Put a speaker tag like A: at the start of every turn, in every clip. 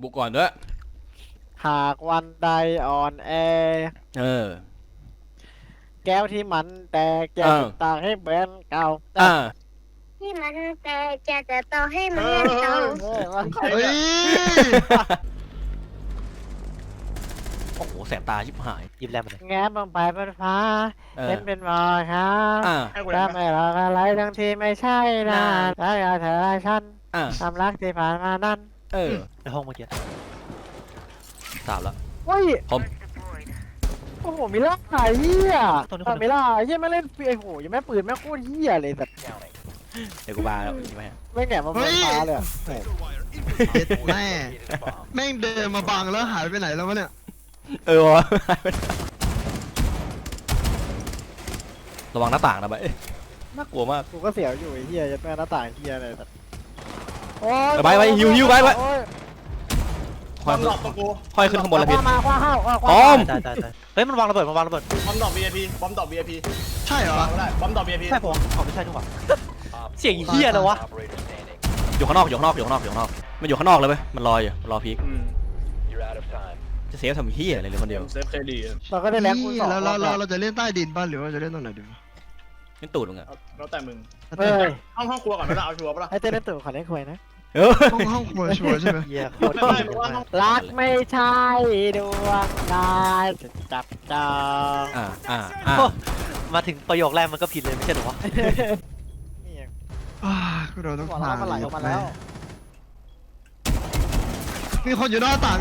A: บุกก่อนด้วย
B: หากวันใดอ่อนแอแก้วที่มันแตกจะตากให้เหมือนเก่า
C: ที่มันแตกจะต่อให้เหมือนเก่า
D: เฮ้ย
A: โอ้โหแสบตาชิบหาย
E: ยิ้มแรงมาเลย
B: แง้มลงไปบนฟ้าเป็นรอยครับถ้าไม่รออะไรทั้งที่ไม่ใช่นะถ้าอยากเธอและฉันความรักที่ผ่านมานั้น
E: ในห้องเมื่อกี้
A: สามแล้ว
B: เฮ้ย
A: ผม
B: โอ้โหมิล่าไอ้เหี้ยมิล่าไอ้เหี้ยไม่เล่นไอ้โหยังไม่ปืนแม่โคตรเหี้ยเลยแบบ
A: เดี๋ยวกูบาแล้วใช่ไหม
B: ไม่แง่มาบนฟ้าเลย
D: แม่งเดินมาบังแล้วหายไปไหนแล้ววะเนี่ย
A: วะระวังหน้าต่างนะไปน่ากลัวมาก
B: กูก็เสียวอยู่ไอ้เหี้ยยัดแม่หน้าต่างเหี้ยอะไรแบบ
A: ไปหิวไป
F: บอมดรอปตัวกู
A: ค่อยขึ้นข้างบนแล้วพี่
B: มาคว้าห้าว
A: พร้อม
E: เฮ้ยมันวางระเบิดบอมดรอป
F: VIP บอมดรอป VIP
D: ใช่เหรอ
F: ได้บอมดรอป VIP
E: ใช่ผมไม่ใช่ทุกคนเสียงเหี้ยเลยวะ
A: อยู่ข้างนอกมันอยู่ข้างนอกเลยไหมมันรออยู่รอพีคจะเซฟทำเหี้ยอะไรเลยคนเดียว
F: เซฟเคดี
B: เราก็ได้แรงคูณ2
D: เราจะเล่นใต้ดินป่ะหรือว่าจะเล่นตรงไหนดี
A: เล่นตูดมึงอะ
F: แล้วแต่มึงห้องครัวก่อนไม่ได้เอาชัวร์ปะล่ะ
B: ให้เต้นเล่นตูดขอเล่นคุยนะ
D: ห้องครัวชัวร์ใช่ไหม
B: รักไม่ใช่ดวงตาจะจับจอง
E: มาถึงประโยคแรกมันก็ผิดเลยไม่ใช่หรอวะ
D: ก็โดนต้อง
B: ผ่านมาไหลออกมาแล้ว
D: มีคนอยู่หน้าต่าง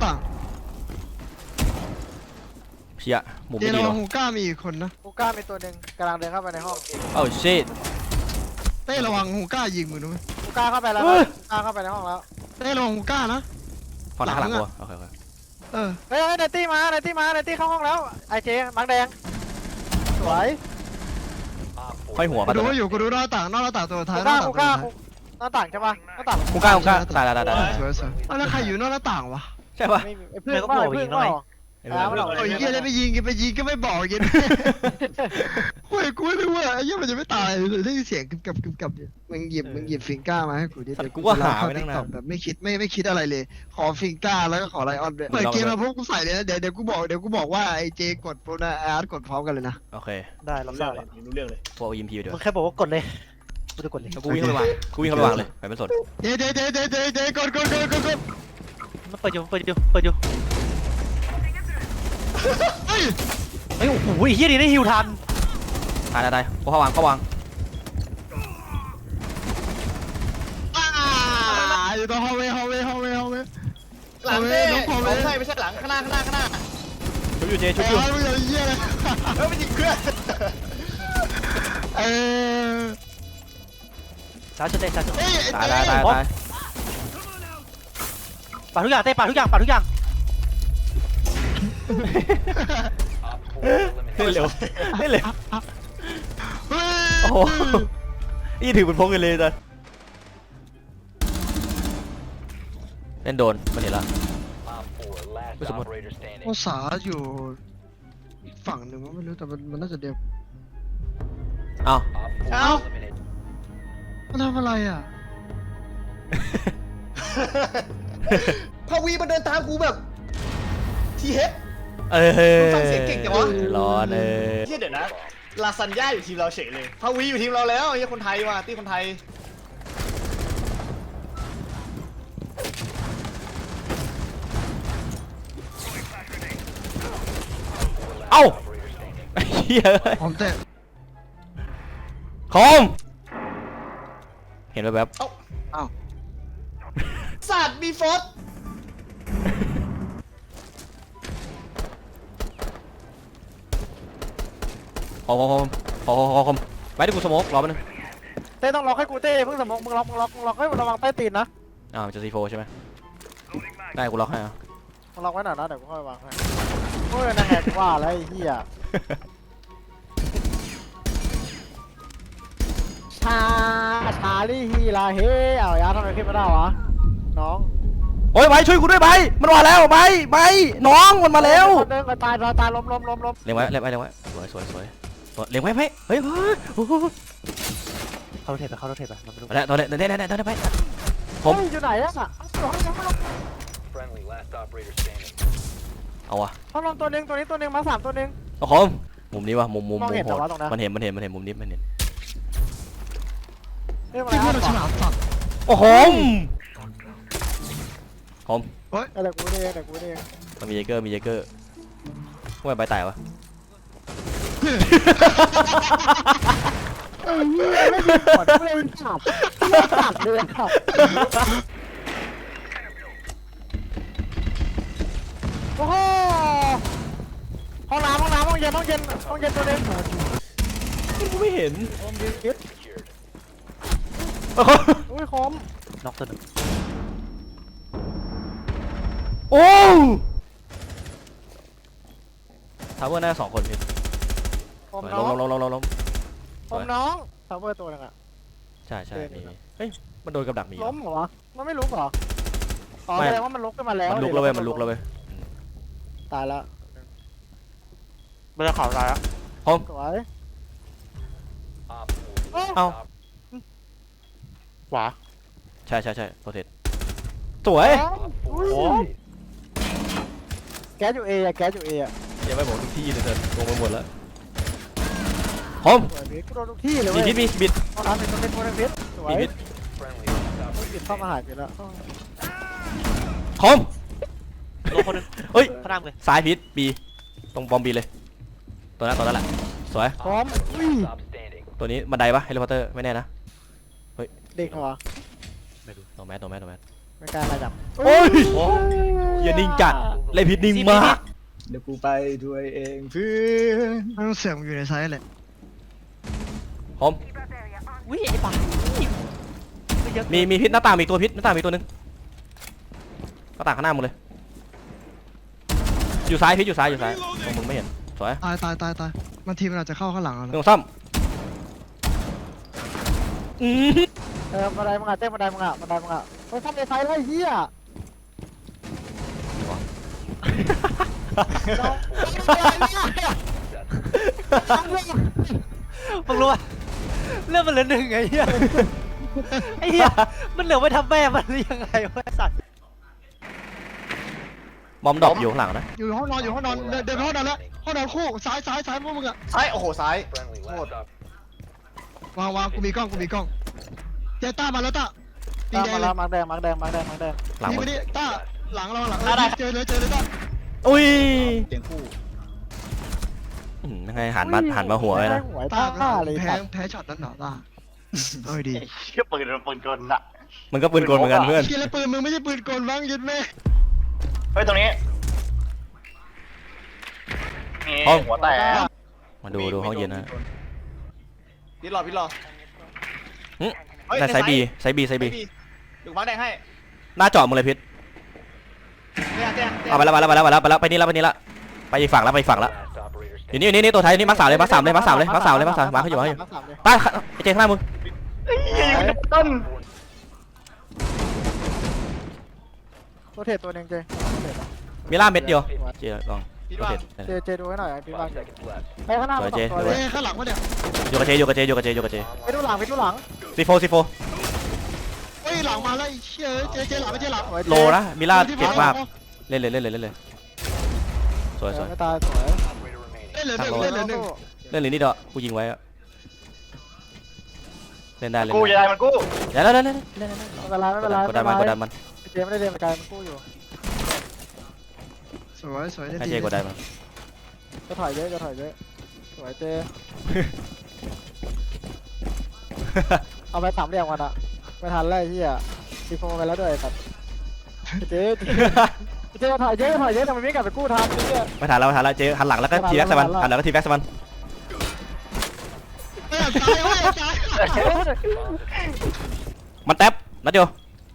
A: เชี่ยมุมไม่ดี
D: หรอ
A: หรอ
D: ฮูก้ามีอีกคนนะ
B: ฮูก้ามีตัวหนึ่งกำลังเดินเข้าไปในห้อง
A: ชิต
D: เต้ระวังฮูก้ายิงมึงด้วย
B: ฮูก้าเข้าไปแล้วฮูก้าเข้าไปในห้องแล้ว
D: เต้ระวังฮูก้านะ
A: ฝั่งหลังตัว
B: เฮ้ยเนตี้มาเนตี้เข้าห้องแล้วไอเจมังแดงสวย
A: ค่อยหัวมา
D: ดูอยู่กูดูหน้าต่างตัวท้าย
B: ฮูก้าหน้าต่างใช่ปะหน้าต่าง
A: ฮูก้าตาย
D: สวยแล้วใครอยู่หน้าต่างวะ
A: ใช่ปะ
B: เพื่อนก็บอกยิงหน่อย
D: โอ้ยเยี่ยเลยไปยิงก็ไม่บอกยิงโอ้ยกูไม่รู้ว่าไอ้เยี่ยมันจะไม่ตายได้ยินเสียงกับเนี่ยมึงหยิบฟิงก้ามาให้กูดิ
A: กูว่าหาไว้ตั้งนาน
D: แบบไม่คิดอะไรเลยขอฟิงก้าแล้วก็ขอไลออนด้วยเปิดเกมมาพวกกูใส่เลยนะเดี๋ยวกูบอกว่าไอ้เจกดโปรนะอาร์ตกดพร้อมกันเลยนะ
A: โอเค
E: ได้รับทราบ
F: รู้เรื่องเลย
A: พวกยิมพีเดี๋ยว
E: มึงแค่บอกว่ากดเลยกูจะกดเลย
A: กูวิ่งเข้าไปวางเลยไปไม่สน
D: เจกด
E: มันเปิดอยู่เฮ้ยโอ้โหเฮียดีได้ฮิวทัน
A: ตายเขาวาง
D: อยู่ตรงฮอลเวย์
F: หลังเต้ไม่ใช่หลังข้างหน้า
A: ชุบอยู่เจชุบอยู่
D: เยี่ยเลย
F: ไม่ยิงเพื่อน
E: ช้าชุดเต้ช้าชุด
A: ตาย
E: ปาทุกอย่างเต้ปาทุกอย่าง
A: เร็วโอ้โหนี่ถือเป็นพงกันเลยจ้ะเล่นโดนมันเห็นแล้ว
D: ภาษาอยู่ฝั่งหนึ่งไม่รู้แต่มันน่าจะเดียวมันทำอะไรอ่ะ
F: พาวีมาเดินตามกูแบบทีเฮดฟังเสียงเก่งจังวะ
A: ร้อน
F: เดี๋ยวนะลาซานญ่าอยู่ทีมเราเฉยเลยพาวีอยู่ทีมเราแล้วไอ้คนไทยว่ะที่คนไทย
A: เฮีย
D: ผมเตะ
A: คอมเห็นแบบ
F: สัตว์มีฟอส
A: พอไปดิกูสโมกรอมันนึง
B: เต้ต้องล็อกให้กูเต้เพิ่งสมองมึงล็อกให้ระวังใต้ตีนนะ
A: จะซีโฟใช่ไหมได้กูล็อกให้
B: มึงล็อกไว้หน่อยนะเดี๋ยวกูค่อยวางให้โอ้ยนะแหกว่าแล้วไอ้เหี้ยชาลี่ฮีลาเฮเอายาทำไมขึ้นไม่ได้วะน้อง
A: โอ้ยไปช่วยกูด้วยไปมันมาแล้วไปน้องมันมาแล้ว
B: เดินตายล้ม
A: เลี้ยงไว้สวยเลี้ยงไว้เฮ้ย
E: เข้ารถเทปไป
A: แล้วตอนนี้ไป
B: ผมอยู่ไหนอะ
A: เอาวะ
B: ห้องนอนตัวหนึ่งตัวนี้ตัวหนึ่งมา3ตัวหนึ่ง
A: โอ้โหมุมนี้วะมุม
B: มองเห็น
A: โห
B: เหรอ
A: ด
B: วะตรงนั้น
A: มันเห็นมุมนี้มันเห็น
B: เรื่องอะ
D: ไอ้
B: ไร
D: เหี้ยเราฉลาดสัตว์
A: โอ้โหผม
B: เดี๋ยวกูเองเดี๋ยวกูเอง
A: มันมีเยเกอร์ว่าใบแตกวะ
B: เอ้ยไม่มีผลไม่เลยขับไม่ขับเลยขับโอ้โหห้องน้ำห้องเย็นตัวหนึง
A: กูไม่เห็น
B: ผมยืนคิด
A: โอ้โห
B: อุ้ยคม
E: น็อกตัวหนึ่ง
A: โอ้ทาวเวอร์น่า2 คนพี่
B: ผม
A: ล
B: น้อง
A: ง
B: ผมน้องทาวเวอร์ตัวหนึงอะ
A: ใช่มีเฮ้ยมันโดนกับดักมี
B: ล้มเหรอวะมันไม่ลุกเหรออ๋อ
A: ไม่
B: แสดงว่ามันลุกขึ้นมาแล้ว
A: มันลุกแล้วเว้ย
B: ตายแล้ว
E: ไม่ได้ข่าวร้ายอะ
B: สวย
A: เอ้า
E: ขวา
A: ใช่โปรเทสสวย
B: อุ้ย
E: โอ้
B: แก๊สอยู่เออะแก๊สอยู่เออะ
A: ยังไม่บอกทุกที่เลยเธอลงไปหมดแล้วผม
B: สวยพี่กูโดนทุกที่เลย
A: มี
B: เว้ย
A: พิษมีบิด
B: ห้องน้ำเป็นตัวเป็นตัวเป็นพิษสวย
A: มีพิษ
B: พิษเข้ามาหายไปแล้ว
A: ผม
E: โลคนหนึง
A: เฮ้ย
E: พระรามเลย
A: ซ้ายพิษบีตรงบอมบีเลยตัวนั้นแหละสวย
B: พร้อมอุ้ย
A: ตัวนี้บันไดปะเฮลิคอปเตอร์ไม่แน่นะ
B: เด็กเหรอ
A: ตัวแมส
B: ไม่กล้ามาจับ
A: โอ้ยอย่านิ่งจัดเลยพิษนิ่งมาก
F: เดี๋ยวกูไปด้วยเองเพื่อน
D: ไม่ต้องเสียงอยู่ในไซส์แหละ
A: ผม
E: วิ่งไอ้ป่าไม่เยอะ
A: มีพิษหน้าต่างมีตัวพิษหน้าต่างมีตัวหนึงหน้าต่างข้างหน้ามึงเลยอยู่ซ้ายพิษอยู่ซ้ายตรงมึงไม่เห็นสวย
D: ตายบางทีมันอาจจะเข้าข้างหลังเรา
A: เรื่องซ่อมอืม
B: บันไดมึงอะเต้นบันไดมึงอะเฮ้ยทำในไฟไล่เหี้ย
E: มึงรู้ป่ะเรื่องมันเหลือ1ไอ้เหี้ยไอ้เหี้ยมันเหลือไว้ทำแม่มันหรือยังไงวะไอ้สัตว์
A: บอมดรอปอยู่ข้างหลังนะ
D: อยู่ห้องนอนเดินไปห้องนอนแล้วห้องนอนคู่ซ้ายพวกมึงอะ
F: ซ้ายโอ้โหซ้ายโหด
D: วางกูมีกล้องเจต้ามาแล้วต้าปี
B: ตาม
D: แด
B: มาง
D: เล
B: แล้
D: ยว
B: มาร์คแดง
A: หลัง
D: นี่
A: มึ
D: ไม่
A: ง
D: ได้ต้าหลังเจอเลยต้า
A: อุ้ย
F: เสียงคู่
A: ยังไงหันมาหัวเลยนะ
B: หัว
D: ต้า
B: ต้าเลย
D: แพ้ช็อตนั้นเหรอต้าเอ้ยดี
F: เชี่ยปืนกลน่ะ
A: มันก็ปืนกลเหมือนกันเพื่อน
D: เชียร์แล้วปืนมึงไม่ใช่ปืนกลบ้างยึดแม่
F: เฮ้ยตรงนี้หัวแตก
A: มาดูห้องเย็นนะ
F: พี่รอ
A: แต่ไซบี
F: ดูมาร์คแดงให้
A: หน้าจอมึงเลยพิษ เอาไปแล้วไปนี่ละไปอีกฝั่งละอยู่นี่ตัวท้ายนี่มาร์ค 3เลยมาร์ค 3มาเขาอยู่ใต้เจข้างหน้ามึง
F: ต้น
B: ตัวเทรดตัวหนึงเจ
A: มีล่าเม็ดเดียวเจลอง
F: พี่
A: โอ
F: ว่า
A: เค
B: เจดูให้หน่อยพี่บ้างไปข้างหน้า
A: สวยเจ
B: ตัวเลย
D: ข้างหลังวะเนี่ย
A: อยู่กับเจอยู่กับเจ
B: ไปดูหลัง
A: ซีโฟ
D: เฮ้ยหลังมาแล้วเชื่อเจหลังไม่เจหลัง
A: โลนะมีล่าเจ็บมากเล่นเลยสวย
B: ไม่ตายสวย
D: เล่นเลย
A: เล่นเลยนี่เด้อกูยิงไว้อะเล่นได้
F: กูยายมันกู
A: เดี๋ยวเล่น
B: ไม่เป็นไร
A: กดดันมัน
B: เจไม่ได้เดินไปไกลมันกู้อยู่
D: สวย
A: ให้เจกดดันมัน
B: จะถอยเยอะสวยเจเอาไป3เหลี่ยมกันอะไม่ทันแล้วไอ้เหี้ยตีโฟไปแล้วด้วยสัตว์เจ๊ถอยเยอะทำไมไม่กลับไปกู้ทันเจ๊
A: ไม่ทันแล้วเจหันหลังแล้วก็ทีแบ็กใส่มันหันหลังก็ทีแบ็กใส่มัน มันแท็บนัดเดียว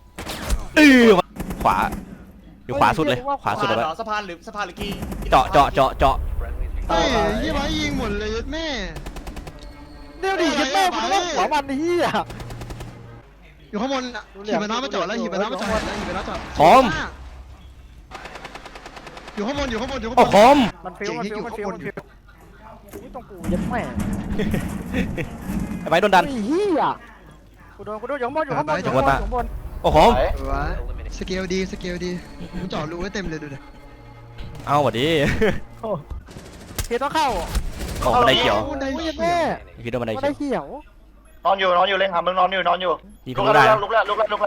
A: ขวาอยู่ขวาสุดเลยขวาสุดเลย
F: สะพานหรือกี
A: เจาะ
D: เฮ้ยยี่ไว้ยิงหมดเลยแม่
B: เดี๋ยวดิยัดแม่กูต้องหัวมันเหี้ย
D: อยู่ข้างบนหีบน้ำมาจอดแล้วหีบน้ำมาจอด
A: พร้อม
D: อยู่ข้างบน
A: โอ้คอม
B: มันฟิวนี่ตรงกูยัดแม่
A: ไอ้ไว้โดนดัน
B: ไอ้เหี้ยกูโดนอยู่ข้างบน
A: โอ้คอม
D: สเกลดีกูจอดรูไว้เต็มเลยดูดิ
A: เอาหวัดดี
B: เฮียต้องเข้า
A: ของบันไดเขียว
D: คนใด
B: โอ้ย
D: เขี
B: แม่
D: ยว
A: พี่โดนบันได
B: ไม่
A: เขี
B: ได้
A: ยว
B: เขียว
F: นอนอยู่เล่นหามึงนอนอยู่
A: ยิง
F: ลุ
A: ทะ
F: ก
A: ลุได้
F: แล้ว
A: นะ
F: ลุกแล้ว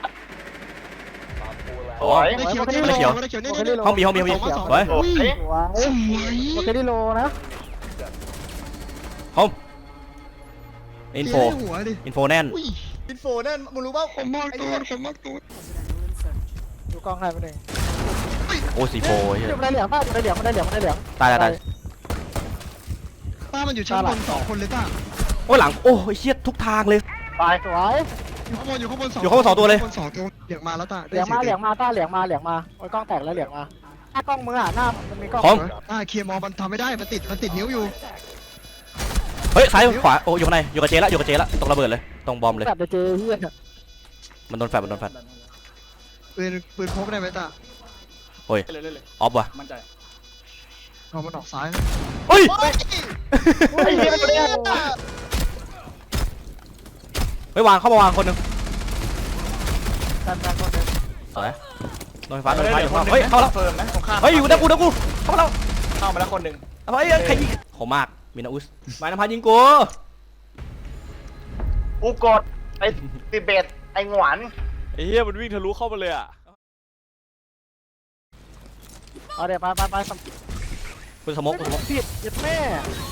F: สวย
D: บันไดเขียวบันไดเขียวบันไดเขียวนี่นี่
A: ห้องบีห้องบีห้องบีไว้
F: โอ้ย
B: ว้าว
D: โอ้ย
B: โอเคดิโลนะ
A: ห้องอินโฟ
D: หัวดิ
A: อินโฟแน่น
D: อุ้ย
F: อินโฟนั่นมึงรู้ป่าว
D: ผมมากตัวผมมากตัว
B: ดูกล้องให้ไปหนึ่ง
A: โอ้สีโฟเหี้ย
B: มันได้เหลืองป้ามันได้เหลืองมันได้เหลืองมันได้เหลือง
A: ตายตาย
D: ป้ามันอยู่ชั้นบน2 คนเลยป้า
A: โอ้หลังโอ้เชี่ยทุกทางเลย
F: ตาย
B: สวย
D: อยู่ข้างบน2
A: อยู่ข้างบนสองตัวเลย
D: ข้างบน2 ตัวเหลืองมาแล้วตา
B: เหลืองมาเหลืองมาต้าเหลืองมาเหลืองมาโอ้ยกล้องแตกแล้วเหลืองมาหน้ากล้องมืออ่ะหน้ามันมีกล้อง
A: ของ
D: เคลียร์มอมันทำไม่ได้มันติดนิ้วอยู่
A: เฮ้ยซ้ายขวาโอ้อยู่ข้างในอยู่กับเจละอยู่กับเจละตรงระเบิดเลยตรงบอมเลย
B: แบบเจเฮีย
A: มันโดนแฟลชมันโดนแฟลช
D: ปืนพกได้ไหมตา
A: โอ้ย
F: เลย
A: ออฟว่ะ
F: มั่นใจ
D: เอามันออกซ้าย
A: เฮ้ย
F: ไอ้เหี้ยมันเนี่ย
A: เฮ้ยวางเข้ามาวางคนหนึง
B: แฟนคนนึง
A: สวยโดนไฟฟ้าโดนไฟฟ้าอยู่ข้างนอกเฮ้ยเข้าแล้ว
F: เฟิร์มนะตรงข้าม
A: เฮ้ยอยู่นะกูเข้ามาแล้ว
F: เข้ามาแล้วคนหนึ่ง
A: เฮ้ยใครยิงโหมากมินาอุสหมายนภัสยิงกู
F: กูกดไอ้ติเบตไอ้หงวน
G: ไอ้เหี้ยมันวิ่งทะลุเข้ามาเลยอ่ะ
B: เอาเดี๋ยวไป
A: คุณสมกคุณสมก
B: ผิดยัดแม่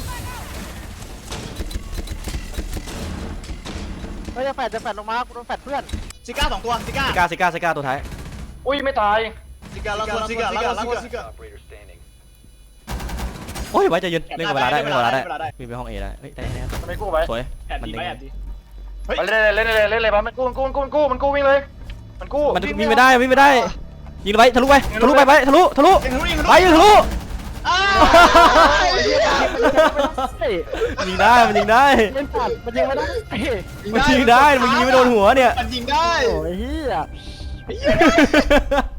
B: เฮ้ยจะแฟดลงมากูโดนแฟดเพื่อน
F: ซิก้า2 ตัวซิก้า
A: ซิก้าตัวท้าย
F: อุ้ยไม่ตายซิก้าแล้วซิก้า
A: โอ้ยไว้ใจเย็นเล่นกับเวลาได้เล่นกับเวลาได้มีไปห้องเอได้เฮ้ยได้แน่
F: ไม่กู้ไว้
A: สวย
F: แอบดี
A: มัน
F: ไหม
A: เด้ง
F: แอบดีเล่นเลยปะมันกู้วิ่งเลยมันกู้
A: มันวิ่งไม่ได้ยิงไปทะลุไปทะลุไปทะลุไปยิงทะลุ ยิงได้มันยิงได้
B: เล่นปัดมันยังไม่ได้
A: มันยิงได้มันยิงไม่โดนหัวเนี่ย
F: มันยิงได้
B: โอ้ยเฮีย